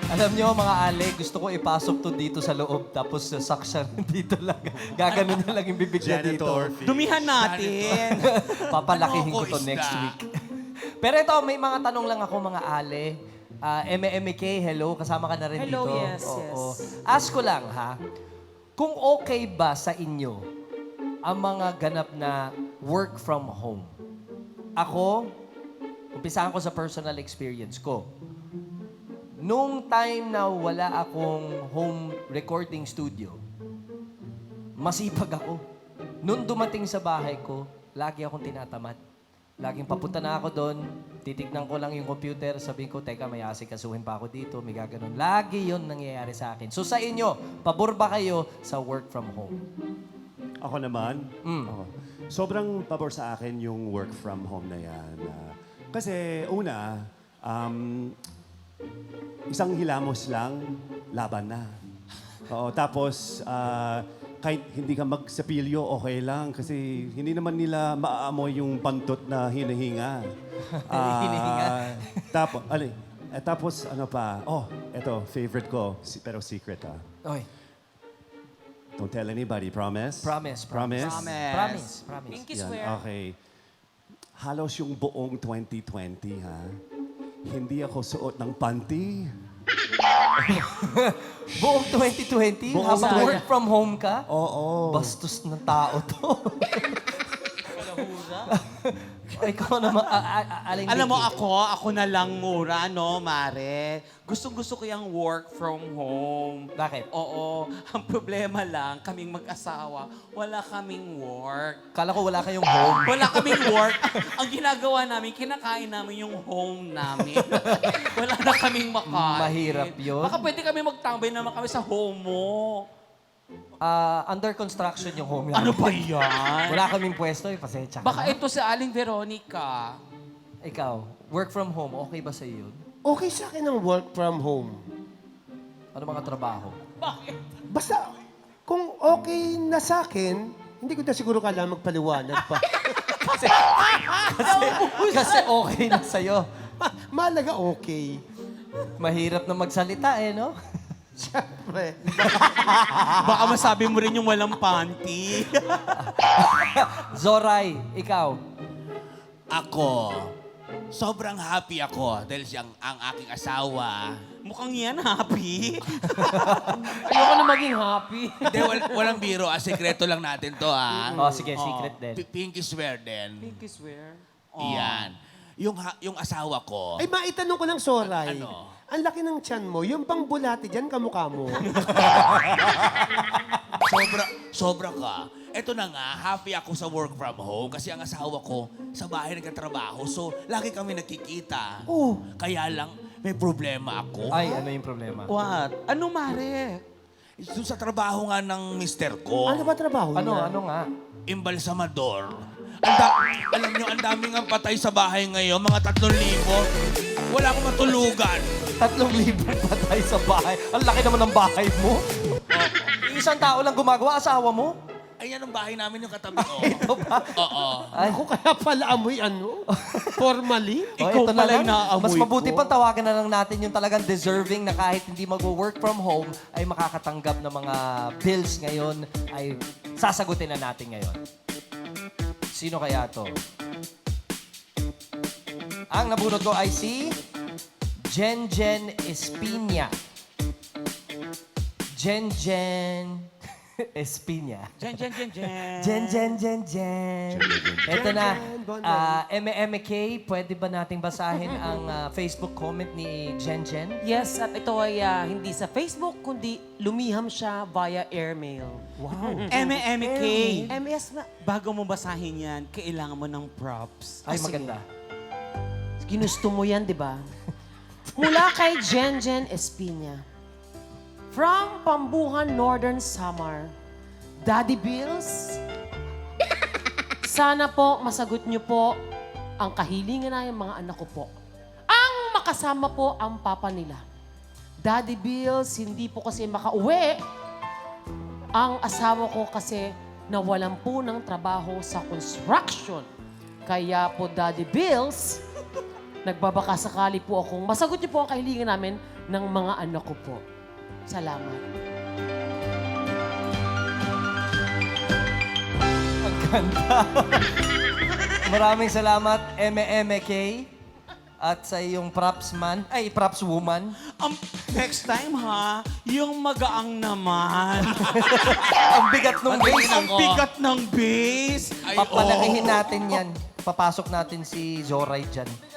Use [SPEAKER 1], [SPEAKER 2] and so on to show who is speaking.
[SPEAKER 1] Alam niyo, mga Ale, gusto ko ipasok to dito sa loob, tapos sa suction dito lang. Gaganon na lang yung bibig niya dito.
[SPEAKER 2] Janitor fee.
[SPEAKER 3] Dumihan natin.
[SPEAKER 1] Papalakihin
[SPEAKER 2] Ano
[SPEAKER 1] ko to
[SPEAKER 2] isda?
[SPEAKER 1] next week. Pero ito, may mga tanong lang ako, mga Ale. MMK, hello. Kasama ka na rin
[SPEAKER 4] Hello,
[SPEAKER 1] dito.
[SPEAKER 4] yes,
[SPEAKER 1] Oo.
[SPEAKER 4] yes.
[SPEAKER 1] Ask ko lang, ha? Kung okay ba sa inyo ang mga ganap na work from home? Ako, umpisahan ko sa personal experience ko. Nung time na wala akong home recording studio, masipag ako. Nung dumating sa bahay ko, lagi akong tinatamad. Laging papunta na ako doon, titignan ko lang yung computer, sabihin ko, teka, may asikasuhin pa ako dito, may gaganon. Lagi yon nangyayari sa akin. So sa inyo, pabor ba kayo sa work from home?
[SPEAKER 2] Ako naman, ako. Sobrang pabor sa akin yung work from home na yan. Kasi una, isang hilamos lang, laban na. Oo, tapos kahit hindi ka magsapilyo, okay lang. Kasi hindi naman nila maaamoy yung pantot na hinihinga.
[SPEAKER 1] Hinihinga?
[SPEAKER 2] Tapos ano pa? Oh, eto, favorite ko, pero secret
[SPEAKER 1] Oy,
[SPEAKER 2] Don't tell anybody, promise?
[SPEAKER 1] promise.
[SPEAKER 2] Promise?
[SPEAKER 1] Promise.
[SPEAKER 4] Pinky
[SPEAKER 2] Yan,
[SPEAKER 4] swear.
[SPEAKER 2] okay. Halos yung buong 2020, ha? Hindi ako suot ng panty.
[SPEAKER 1] Buong 2020,
[SPEAKER 2] Buong
[SPEAKER 1] habang
[SPEAKER 2] sana.
[SPEAKER 1] work from home ka?
[SPEAKER 2] Oo.
[SPEAKER 1] Bastos ng tao to. Ikaw naman, Aling
[SPEAKER 3] Alam mo
[SPEAKER 1] Vicky.
[SPEAKER 3] ako na lang mura, no, Mare? Gustong-gusto ko yung work from home.
[SPEAKER 1] Bakit?
[SPEAKER 3] Oo. Ang problema lang, kaming mag-asawa, wala kaming work.
[SPEAKER 1] Kala ko wala kayong home.
[SPEAKER 3] Wala kaming work. Ang ginagawa namin, kinakain namin yung home namin. Wala na kaming makain.
[SPEAKER 1] Mahirap yun.
[SPEAKER 3] Baka pwede kami magtambay naman kami sa home mo.
[SPEAKER 1] Under construction yung home
[SPEAKER 3] Ano
[SPEAKER 1] namin.
[SPEAKER 3] ba yan?
[SPEAKER 1] Wala kaming pwesto, pasensya ka
[SPEAKER 3] Baka
[SPEAKER 1] na.
[SPEAKER 3] ito si Aling Veronica.
[SPEAKER 1] Ikaw, work from home, okay ba sa yun?
[SPEAKER 5] Okay sa akin ang work from home.
[SPEAKER 1] Ano mga trabaho?
[SPEAKER 5] Basta, kung okay na sa akin, hindi ko na siguro kailangan magpaliwanag pa.
[SPEAKER 1] Kasi okay na sa'yo.
[SPEAKER 5] Malaga okay.
[SPEAKER 1] Mahirap na magsalita no?
[SPEAKER 5] Siyempre.
[SPEAKER 3] Baka masabi mo rin yung walang panty.
[SPEAKER 1] Zoray, ikaw.
[SPEAKER 6] Ako, sobrang happy ako dahil siyang ang aking asawa.
[SPEAKER 3] Mukhang yan, happy.
[SPEAKER 4] Ayoko na maging happy.
[SPEAKER 6] Hindi, walang biro. Sekreto lang natin to, ha?
[SPEAKER 1] Oh, sige, secret din.
[SPEAKER 6] Pinky swear din.
[SPEAKER 4] Pinky swear.
[SPEAKER 6] Iyan. Yung asawa ko,
[SPEAKER 5] Ay, maitanong ko lang, Soray.
[SPEAKER 6] Ano?
[SPEAKER 5] Ang laki ng tiyan mo. Yung pang bulati dyan, kamukha mo.
[SPEAKER 6] sobra ka. Ito na nga, happy ako sa work from home kasi ang asawa ko sa bahay nagtatrabaho. So, lagi kami nagkikita.
[SPEAKER 5] Oh.
[SPEAKER 6] Kaya lang, may problema ako.
[SPEAKER 1] Ay, ano yung problema?
[SPEAKER 3] What? Ano, Mare?
[SPEAKER 6] Doon sa trabaho nga ng mister ko.
[SPEAKER 5] Ano ba trabaho niya?
[SPEAKER 1] Ano nga?
[SPEAKER 6] Embalsamador. Alam nyo, ang daming ang patay sa bahay ngayon, mga 3,000. Wala akong matulugan.
[SPEAKER 1] 3,000 patay sa bahay. Ang laki naman ng bahay mo. Isang tao lang gumagawa, asawa mo?
[SPEAKER 6] Ayan ang bahay namin yung katabi ko.
[SPEAKER 1] Ito ba?
[SPEAKER 6] Oo.
[SPEAKER 1] Ay,
[SPEAKER 5] Ako kaya pala amoy ano? Formally?
[SPEAKER 1] oh,
[SPEAKER 3] Ikaw
[SPEAKER 1] ito
[SPEAKER 3] pala
[SPEAKER 1] na lang.
[SPEAKER 3] yung naaamoy
[SPEAKER 1] Mas mabuti
[SPEAKER 3] ko.
[SPEAKER 1] pang tawagan na lang natin yung talagang deserving na kahit hindi mag-work from home ay makakatanggap ng mga bills ngayon ay sasagutin na natin ngayon. Sino kaya to? Ang nabunod ko ay si Jenjen Espina. Jenjen Espina.
[SPEAKER 3] Jen.
[SPEAKER 1] Jen. Ito na, MMK, pwede ba nating basahin ang Facebook comment ni Jen?
[SPEAKER 4] Yes, at ito ay hindi sa Facebook, kundi lumiham siya via airmail.
[SPEAKER 1] Wow.
[SPEAKER 3] MMK.
[SPEAKER 4] MS na.
[SPEAKER 3] Bago mo basahin yan, kailangan mo ng props.
[SPEAKER 1] Ay,
[SPEAKER 4] sige.
[SPEAKER 1] maganda.
[SPEAKER 4] Ginusto mo yan, di ba? Mula kay Jenjen Espina. From Pambuhan, Northern Samar. Daddy Bills, sana po masagot niyo po ang kahilingan na ng mga anak ko po. Ang makasama po ang papa nila. Daddy Bills, hindi po kasi makauwi. Ang asawa ko kasi nawalan po ng trabaho sa construction. Kaya po, Daddy Bills, nagbabaka sakali po akong masagot niyo po ang kahilingan namin ng mga anak ko po. Salamat.
[SPEAKER 1] Ang ganda. Maraming salamat, MMK. At sa iyong props woman.
[SPEAKER 3] Next time ha, yung magaang naman.
[SPEAKER 1] Ang bigat ng base.
[SPEAKER 3] Ang bigat ng base.
[SPEAKER 1] Papalakihin natin yan. Papasok natin si Zoray dyan.